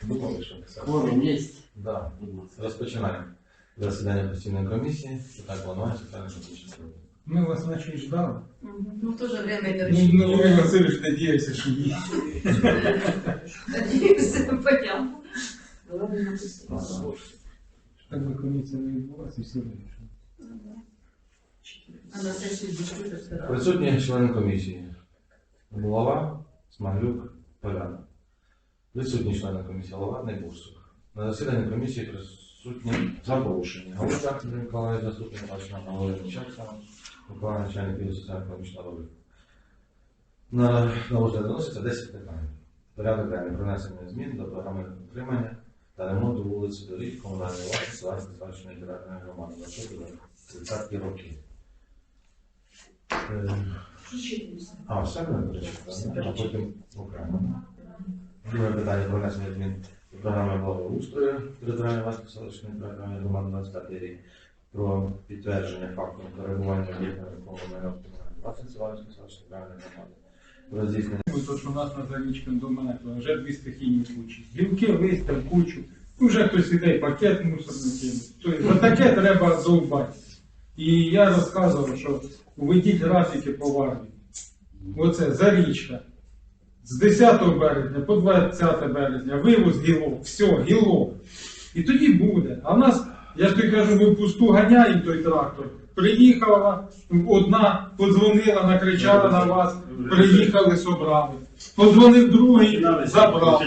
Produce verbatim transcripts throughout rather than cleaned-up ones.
Думали, що писати. Кворум є? Да. Розпочинаємо засідання постійної комісії. Так планується, так що почнемо. Мы вас начали ждали. Ну, в то же время это Ну, ну, Юрий Васильевич надеялся, что есть. Надеюсь, понятно. Ладно, написано. Так бы комиссия не відбулася, і все вирішено. А на сесії закрита вторая. Присутні члени комісії. Голова, Смаглюк, Поляна. Відсутні члени комісії, голова, Найбурсук. На засіданні комісії присутні запрошені. Голова Андрій Миколаївич, заступник начальника голови Мічакса, Миколаїв, начальник відділу соціально-економічного розвитку. На розгляд виноситься десять питань. Порядок денний принесення змін до програми утримання та ремонту вулиць доріг комунальної власності Ларисько-Селищної територіальної громади на тридцяті роки. А, все не перечитано, а потім окремо. Друге питання про внесення змін до програми благоустрою територіальної власності Селищної територіальної громади на двадцятий рік про підтвердження факту перебування об'єктів комунальної власності Селищної територіальної громади. Про здійснення То, що у нас на Зарічках до мене вже дві стихійні случаї. Гілки, листя, кучу. Вже хтось іде, пакет мусорний кинуть. Тобто за таке треба довбати. І я розказував, що введіть графіки поважні. Оце Зарічка. З десятого березня по двадцяте березня вивоз гілок, все, гілок. І тоді буде. А в нас, я ж тобі кажу, ми пусту ганяємо той трактор. Приїхала, одна подзвонила, накричала на вас, приїхали, собрали. Подзвонив другий, забрав.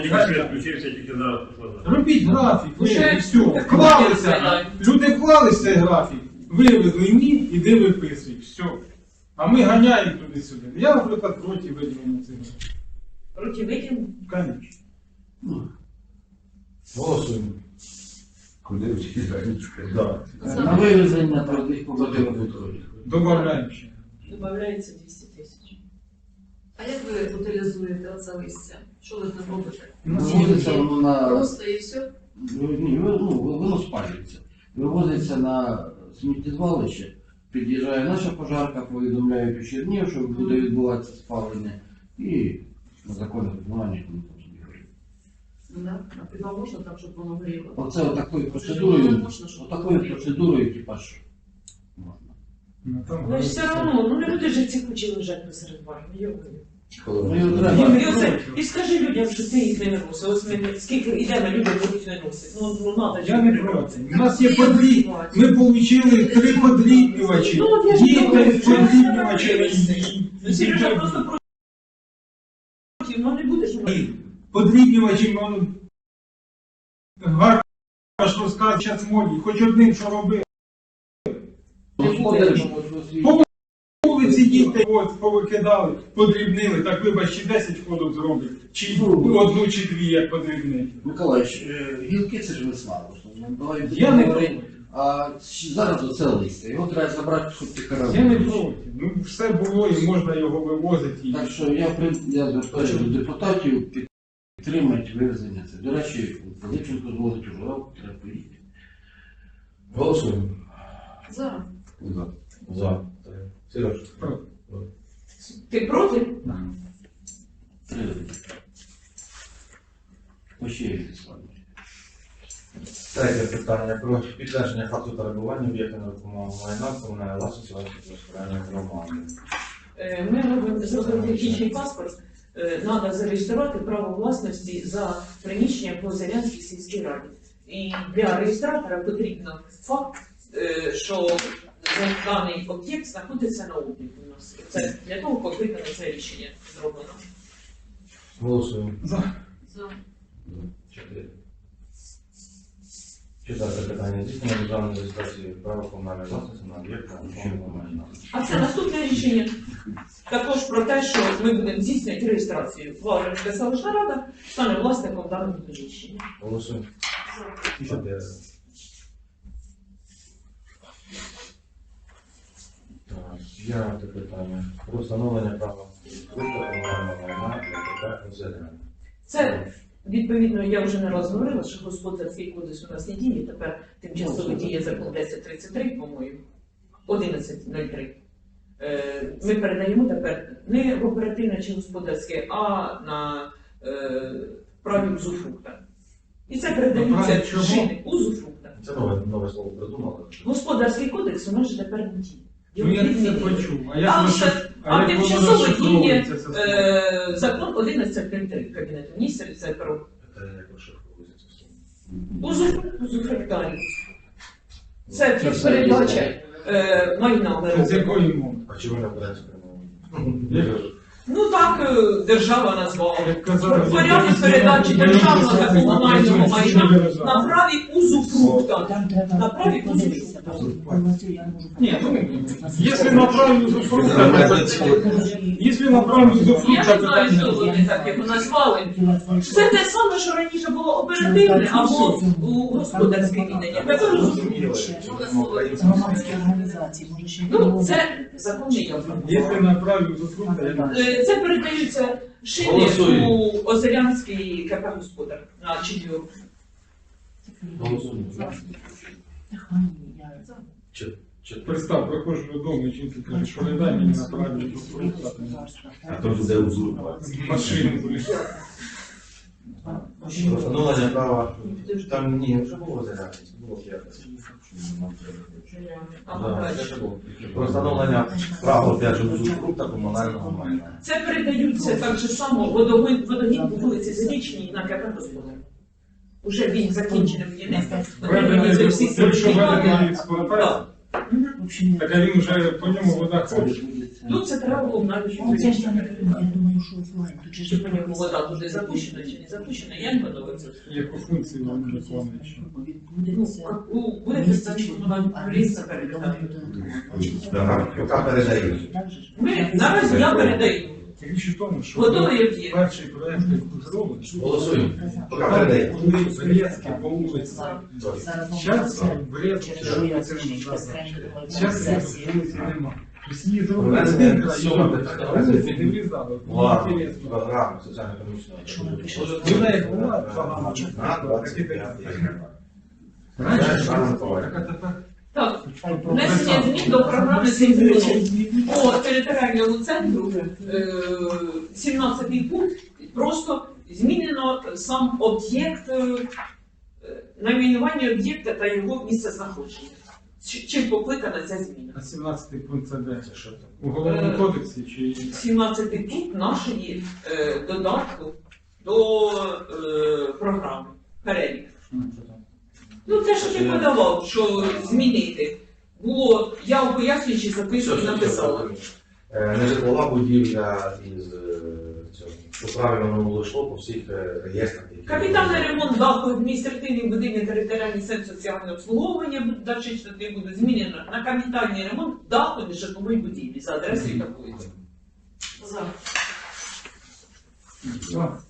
Робіть графік, вже і все. Вклалися, люди вклалися в цей графік, вивезли ні, іди виписуй, все. А ми ганяємо туди-сюди. Я, наприклад, проти виділення цього. Руки выкинь. Конечно. голосуємо. Куди всі Зарічка? Да. На вивезення трудних побутових відходів. Добавляємо ще. Добавляється двісті тисяч. А як ви утилізуєте оце листя? Що ви там робите? Вивозиться воно на... Просто і все? Ні, ну, воно спалюється. Вивозиться на сміттєзвалище, під'їжджає наша пожарка, повідомляють у Чернігів, що буде відбуватися спалення, і на законне виконання воно там собі горить. Да. А хіба можна так, щоб воно горіло? Оце отакою процедурою, Можна, щоб отакою горіло. процедурою, типа ж, можна. Ну, там Ну все одно, ну не будеш же ці кучі лежать посеред бару, його. Ну, і І, треба. і, оце, і скажи людям, що ти їх не виносив. Ось ми скільки йдемо, люди будуть виносити. Ну, ну надо ж. Я не проти. У нас є подріб. Ми отримали три подрібнювачі. Ну, от я ж Діти кажу, подрібнювачі. Ну, Сережа просто проти, ну не будеш. ну. Подрібнювачі, ну, гарно розказати зараз моді. Хоч одним, що робити. Господар, що свій- Вулиці діти от, повикидали, подрібнили, так вибач, чи десять ходів зроблять, чи одну, чи дві, як подрібнити. Миколаївич, е, гілки це ж весна. просто. Ну, давай Я не говори. проти. А щ- зараз оце листя. Його треба забрати, щоб ти карав. Я не проти. Ну, все було і можна його вивозити. І... Так що я, при- я звертаюся до депутатів підтримати вивезення це. До речі, Липченко звозить у Журавку, треба поїхати. Голосуємо. За. За. За. Сереж. Проти. Ти проти? Три. Ощею Владимир. Третє питання про підтвердження факту перебування об'єкта нерухомого майна комунальної власності Селищної територіальної громади. Е, Ми робимо зробили технічний паспорт. Е, Треба зареєструвати право власності за приміщення по Зарянській сільській раді. І для реєстратора потрібно факт, е, що даний об'єкт знаходиться на обліку у нас. Це для того, поки виконане це рішення зроблено. Голосуємо. За. За. Чотири. Четверте питання. Здійснення державної реєстрації права комунальної власності на об'єкт нерухомого майна. А це наступне рішення також про те, що ми будемо здійснювати реєстрацію. Варварська селищна рада стане власником даного приміщення. Голосуємо. Чотири. Так, п'яте питання. Про встановлення права комунального майна для КП «Озеряне». Це, відповідно, я вже не раз говорила, що господарський кодекс у нас не діє, тепер тимчасово діє закон десять тридцять три, по-моєму, одинадцять нуль три. Е, Ми передаємо тепер не в оперативне чи господарське, а на е, праві узурфрукта. І це передаються Правильно, чого? шини узуфрукта. Це нове, нове слово придумали. Господарський кодекс у нас же тепер не діє. Ну я це почув. А як Там воно ще- розшиф- а як воно тимчасово діє, розшифровується, це слово? Е, закон одинадцять три Кабінету міністрів, це про Це як розшифровується це слово. узуфрукт, узуфруктарій. Це передача е, майна Це з народу. якої мови? А чому не українською мовою? Ну так е, держава назвала. Як казали, В порядку передачі державного та комунального майна на праві узуфрукта. Там треба На праві подивитися. Повністю я не можу Ні, ну, показати. якщо на праві узуфрукта, якщо на праві Я узуфрукта, не знаю, питання. що вони так його назвали. Це те саме, що раніше було оперативне або у господарське віддання. Тепер узуфрукт. Громадські організації, може ще Ну, це законний явно. Якщо на праві узуфрукта, я не Е, Це передаються шини Голосуємо. у Озерянський КП «Господар» на Чидю. Голосуємо. Чи- чи- Представ, приходжу додому, і жінка каже, що не дай мені на праві узуфрукта. А то буде узурпувати. Машину будеш. Встановлення права. Там ні, вже було зарядно. Було п'ятниця. Да, це ж було. Про встановлення права опять же узурпрукта комунального майна. Це передаються так же само водогін, водогін по вулиці Зарічній на КП «Господар». Уже він закінчений будівництво, отримані всі Якщо введено сертифікати. експлуатацію, Мгм. так а він вже по ньому вода ходить. Ну, це треба було навіть Ну, це ж там, я думаю, що офлайн. Тут же чи ж по ньому вода туди запущена, чи не запущена, я не подобається. Яку функцію він виконує. ще. Ну, відбудеться. як у- буде представник комунального різна передати. Яка передає? Ми наразі я передаю. Річ у тому, що Готовий об'єкт. перший проєкт, який зроблений, Голосуємо. Яка передає? коли Брестські по вулиці. Зараз в Брестській Через що я це це не зараз Зараз вулиці нема. Тобто її зробили Вона з не центра, сьома і питання. вулиці не врізали. Ладно, Інтересно. програма соціально-економічного. Що напише? Вона як була, погана. На двадцять п'ятий. Раніше Це ж саме було, так. так, а тепер Так, внесення змін до програми «Символом» по територіальному центру, е, сімнадцятий пункт, просто змінено сам об'єкт, е, найменування об'єкта та його місце знаходження. Ч- Чим покликана ця зміна? а сімнадцятий пункт це де? Це що там? У головному кодексі чи сімнадцятий пункт нашої е, додатку до е, програми, перелік. Ну, те, що ти подавав, що змінити. Було, я у пояснюючій записці написала. Е, Нежитлова будівля із е, цього. Що правильно воно було йшло по всіх е, реєстрах. які- Капітальний ремонт даху адміністративних будинків територіальний центр соціального обслуговування далі штати буде змінено на капітальний ремонт даху нежитлової будівлі за адресою такої. За. Так.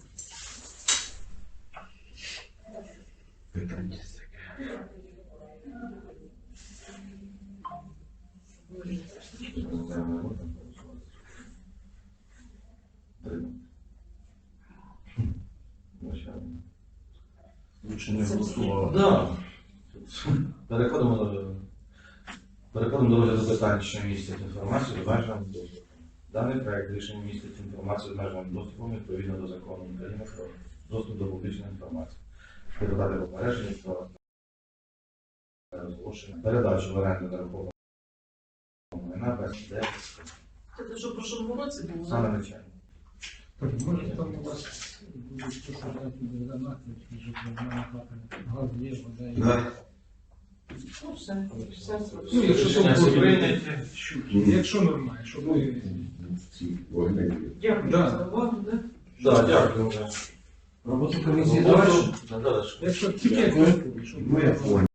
Лучше не голосувало. Да. Переходимо до переходимо до розгляду питань, що містять інформацію з обмеженим доступом. Даний проект рішення містить інформацію з обмеженим доступом відповідно до закону України про доступ до публічної інформації. Передати попередження про розголошення, передачу в оренду нерухомого майна без де Це те, що в прошлому році було. саме начальник. Так, може там у вас будуть посадати донати, щоб на газ є, вода є. Да. Ну, все. Все. Ну, якщо Рішення то собі прийняти, якщо нормально, щоб ми... Дякую Да. за увагу. Да? Да, дякую. Роботу комісії завершено. Надалі. Якщо тільки, щоб Ну, я понял.